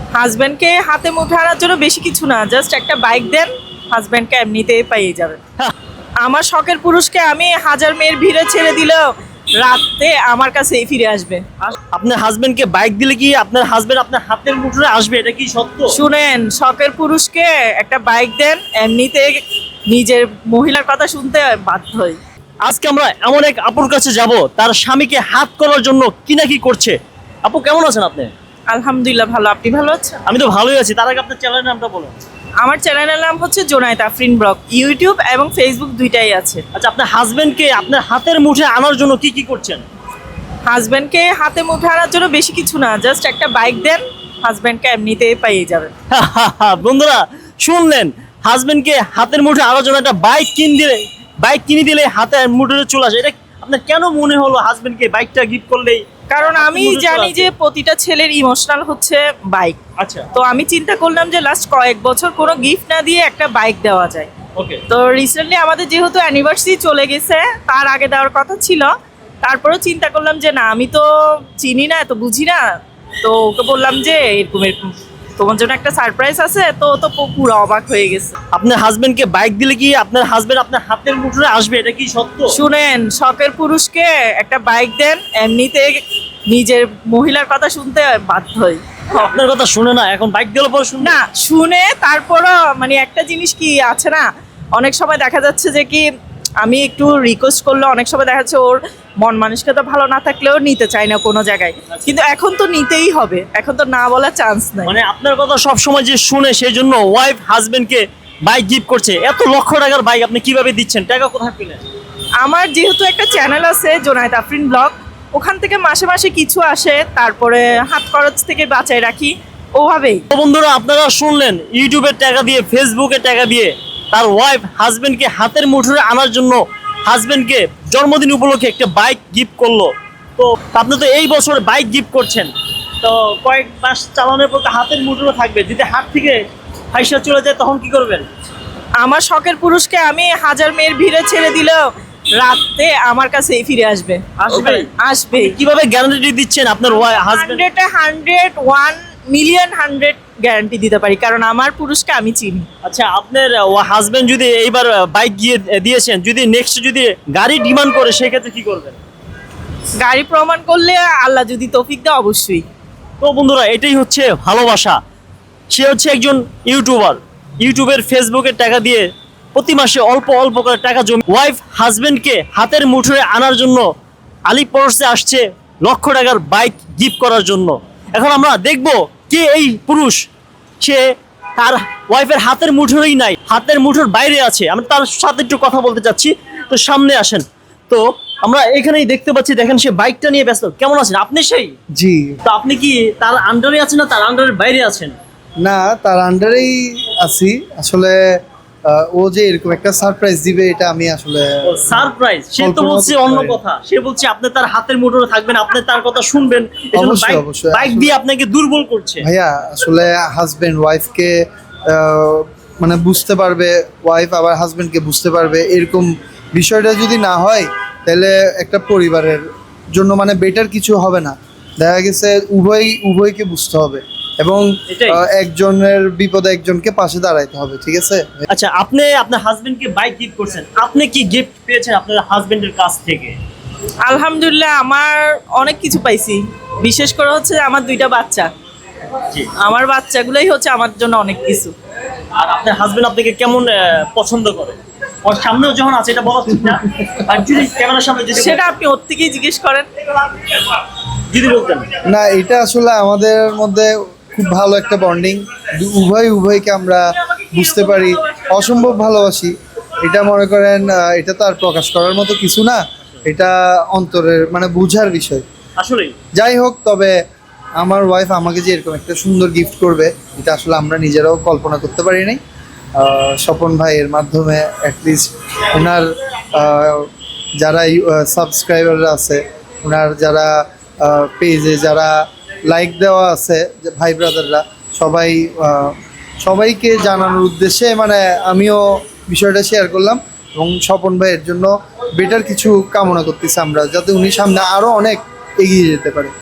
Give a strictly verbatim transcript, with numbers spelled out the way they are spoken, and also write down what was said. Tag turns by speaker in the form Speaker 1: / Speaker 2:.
Speaker 1: হাজব্যান্ডকে হাতে মুঠে আনার জন্য বেশি কিছু না, জাস্ট একটা বাইক দেন, হাজব্যান্ডকে এমনিতেই পেয়ে যাবেন। আমার শখের পুরুষকে আমি হাজার মেয়ের ভিড়ে ছেড়ে দিলেও রাতে আমার কাছেই ফিরে আসবে।
Speaker 2: আপনার হাজবেন্ডকে বাইক দিলে কি আপনার হাজবেন্ড আপনার হাতের মুঠোয় আসবে, এটা কি সত্য?
Speaker 1: শুনেন, শখের পুরুষকে একটা বাইক দেন, এমনিতে নিজের মহিলার কথা শুনতে বাধ্য হই।
Speaker 2: আজকে আমরা এমন এক আপুর কাছে যাব, তার স্বামীকে হাত করার জন্য কি না কি করছে। আপু কেমন আছেন আপনি?
Speaker 1: আলহামদুলিল্লাহ ভালো, আপনি ভালো আছেন?
Speaker 2: আমি তো ভালোই আছি। তার আগে আপনার চ্যানেলের নামটা বলুন।
Speaker 1: আমার চ্যানেলের নাম হচ্ছে জোনায়েত আফরিন ব্লগ, ইউটিউব এবং ফেসবুক দুইটাই আছে।
Speaker 2: আচ্ছা, আপনার হাজবেন্ডকে আপনার হাতের মুঠে আনার জন্য কি কি করছেন?
Speaker 1: হাজব্যান্ডকে হাতে মুঠে আনার জন্য বেশি কিছু না, জাস্ট একটা বাইক দেন, হাজব্যান্ডকে এমনিতেই পেয়ে যাবেন।
Speaker 2: বন্ধুরা শুনলেন, হাজবেন্ডকে হাতের মুঠে আনার জন্য একটা বাইক কিন দিলে বাইক কিনে দিলে হাতের মুঠে চলে আসে। এটা আপনার কেন মনে হলো হাজবেন্ডকে বাইকটা গিফট করলেই?
Speaker 1: কারণ আমি জানি যে প্রতিটা ছেলের ইমোশনাল হচ্ছে বাইক।
Speaker 2: আচ্ছা,
Speaker 1: তো আমি চিন্তা করলাম যে লাস্ট কয়েক বছর কোনো গিফট না দিয়ে একটা বাইক দেওয়া যায়।
Speaker 2: ওকে।
Speaker 1: তো রিসেন্টলি আমাদের যেহেতু অ্যানিভার্সারি চলে গেছে, তার আগে দেওয়ার কথা ছিল, তারপরেও চিন্তা করলাম যে না, আমি তো চিনি না, তো বুঝি না, তো ওকে বললাম যে এরকম এরকম তোমার জন্য একটা সারপ্রাইজ আছে। তো ও তো পুরো অবাক হয়ে গেছে।
Speaker 2: আপনার হাজবেন্ডকে বাইক দিলে কি আপনার হাজবেন্ড আপনার হাতের মুঠোয় আসবে, এটা কি সত্য?
Speaker 1: শুনেন, শখের পুরুষকে একটা বাইক দেন, এমনিতে নিজের মহিলার কথা শুনতে বাধ্য হই।
Speaker 2: আপনার কথা শুনে না, এখন বাইক দিলে পরে শুনে
Speaker 1: না, শুনে তারপরও মানে একটা জিনিস কি আছে না, অনেক সময় দেখা যাচ্ছে যে কি আমি একটু রিকোয়েস্ট করলে অনেক সময় দেখা যাচ্ছে ওর মন মানসিকতা ভালো না থাকলেও নিতে চায় না কোনো জায়গায়, কিন্তু এখন তো নিতেই হবে, এখন তো না বলার চান্স নাই।
Speaker 2: মানে আপনার কথা সব সময় যে শুনে, সেই জন্য ওয়াইফ হাজবেন্ডকে বাইক গিফট করছে। এত লক্ষ টাকার বাইক আপনি কিভাবে দিচ্ছেন? টাকা কোথায় পেলেন?
Speaker 1: আমার যেহেতু একটা চ্যানেল আছে জোনায়েত আফরিন ব্লগ, ওখান থেকে মাসে মাসে কিছু আসে, তারপরে হাত খরচ থেকে বাঁচায় রাখি, ওভাবেই।
Speaker 2: তো বন্ধুরা আপনারা শুনলেন, ইউটিউবের টাকা দিয়ে, ফেসবুকের টাকা দিয়ে তার ওয়াইফ হাজবেন্ডকে হাতের মুঠোয় আনার জন্য হাজবেন্ডকে জন্মদিন উপলক্ষে একটা বাইক গিফট করলো। তো আপনি তো এই বছর বাইক গিফট করছেন, তো কয়েক মাস চালানোর পর তো হাতের মুঠোয় থাকবে, যদি হাত থেকে ফাইসা চলে যায় তখন কি করবেন?
Speaker 1: আমার শখের পুরুষকে আমি হাজার মেয়ের ভিড়ে ছেড়ে দিলেও রাতে আমার কাছেই ফিরে আসবে।
Speaker 2: আসবে?
Speaker 1: আসবে।
Speaker 2: কিভাবে গ্যারান্টি দিচ্ছেন আপনার হাজবেন্ড?
Speaker 1: হান্ড্রেডে hundred, one million hundred guarantee দিতে পারি, কারণ আমার পুরুষকে আমি চিনি।
Speaker 2: আচ্ছা, আপনার হাজবেন্ড যদি এইবার বাইক গিয়ে দিয়েছেন, যদি নেক্সট যদি গাড়ি ডিমান্ড করে, সেক্ষেত্রে কি করবেন?
Speaker 1: গাড়ি প্রমাণ করলে আল্লাহ যদি তৌফিক দেয় অবশ্যই।
Speaker 2: তো বন্ধুরা, এটাই হচ্ছে ভালোবাসা। সে হচ্ছে একজন ইউটিউবার, ইউটিউবের ফেসবুকের টাকা দিয়ে প্রতি মাসে অল্প অল্প করে টাকা জমি ওয়াইফ হাজবেন্ডকে হাতের মুঠোয় আনার জন্য আলিপরসে আসছে লক্ষ টাকার বাইক গিফট করার জন্য। এখন আমরা দেখব কে এই পুরুষ, সে তার ওয়াইফের হাতের মুঠোই নাই, হাতের মুঠোর বাইরে আছে। আমরা তার সাথে একটু কথা বলতে চাচ্ছি, তো সামনে আসেন। তো আমরা এখানেই দেখতে পাচ্ছি, দেখেন সে বাইকটা নিয়ে ব্যস্ত। কেমন আছেন আপনি? সেই
Speaker 3: জি,
Speaker 2: তো আপনি কি তার আন্ডারে আছেন না তার আন্ডারের বাইরে আছেন?
Speaker 3: না, তার আন্ডারেই আছি আসলে। আহ, ও যে এরকম একটা সারপ্রাইজ দিবে, এটা আমি আসলে
Speaker 2: সারপ্রাইজ। সে তো
Speaker 3: কল্পনা
Speaker 2: বলছে
Speaker 3: করতে
Speaker 2: অন্য
Speaker 3: পারি।
Speaker 2: কথা, সে বলছে আপনি তার হাতের মুঠোয় থাকবেন, আপনি তার কথা শুনবেন, এজন্য
Speaker 3: অবশ্যই,
Speaker 2: বাইক
Speaker 3: অবশ্যই,
Speaker 2: বাইক
Speaker 3: আসলে-
Speaker 2: দিয়ে আপনাকে দুর্বল করছে।
Speaker 3: ভাইয়া আসলে হাজবেন্ড ওয়াইফকে মানে বুঝতে পারবে, ওয়াইফ আবার হাজবেন্ডকে বুঝতে পারবে, এরকম বিষয়টা যদি না হয় তাহলে একটা পরিবারের জন্য মানে বেটার কিছু হবে না। দেখা গেছে উভয় উভয়কে বুঝতে হবে এবং
Speaker 2: এটাই।
Speaker 3: আহ, একজনের বিপদে একজনকে পাশে দাঁড়াইতে হবে, ঠিক আছে?
Speaker 2: আচ্ছা, আপনি আপনার হাজবেন্ডকে বাইক গিফট করছেন, আপনি কি গিফট পেয়েছেন আপনার হাজবেন্ডের কাছ থেকে?
Speaker 1: আলহামদুলিল্লাহ, আমার অনেক কিছু পাইছি, বিশেষ করে হচ্ছে আমার দুইটা বাচ্চা।
Speaker 2: জি।
Speaker 1: আমার বাচ্চাগুলোই হচ্ছে আমার জন্য অনেক কিছু।
Speaker 2: আর আপনার হাজবেন্ড আপনাকে কেমন আহ, পছন্দ করে? ওর সামনেও যখন আছে, এটা বলা ঠিক না, আর যদি ক্যামেরার সামনে যদি
Speaker 1: সেটা আপনি ওর থেকেই জিজ্ঞেস করেন।
Speaker 2: যদি বলতেন।
Speaker 3: না, এটা আসলে আমাদের মধ্যে খুব ভালো একটা বন্ডিং, উভয় উভয়কে আমরা বুঝতে পারি, অসম্ভব ভালোবাসি। এটা মনে করেন আহ, এটা তো আর প্রকাশ করার মতো কিছু না, এটা অন্তরের মানে বুঝার বিষয়।
Speaker 2: আসলেই
Speaker 3: যাই হোক, তবে আমার ওয়াইফ আমাকে যে এরকম একটা সুন্দর গিফট করবে, এটা আসলে আমরা নিজেরাও কল্পনা করতে পারি নাই। আহ, স্বপন ভাইয়ের মাধ্যমে অ্যাটলিস্ট ওনার আহ, যারা সাবস্ক্রাইবাররা আছে, ওনার যারা পেজে যারা লাইক দেওয়া আছে, যে ভাই ব্রাদাররা সবাই, আহ, সবাইকে জানানোর উদ্দেশ্যে মানে আমিও বিষয়টা শেয়ার করলাম এবং স্বপন ভাইয়ের জন্য বেটার কিছু কামনা করতেছি আমরা, যাতে উনি সামনে আরও অনেক এগিয়ে যেতে পারে।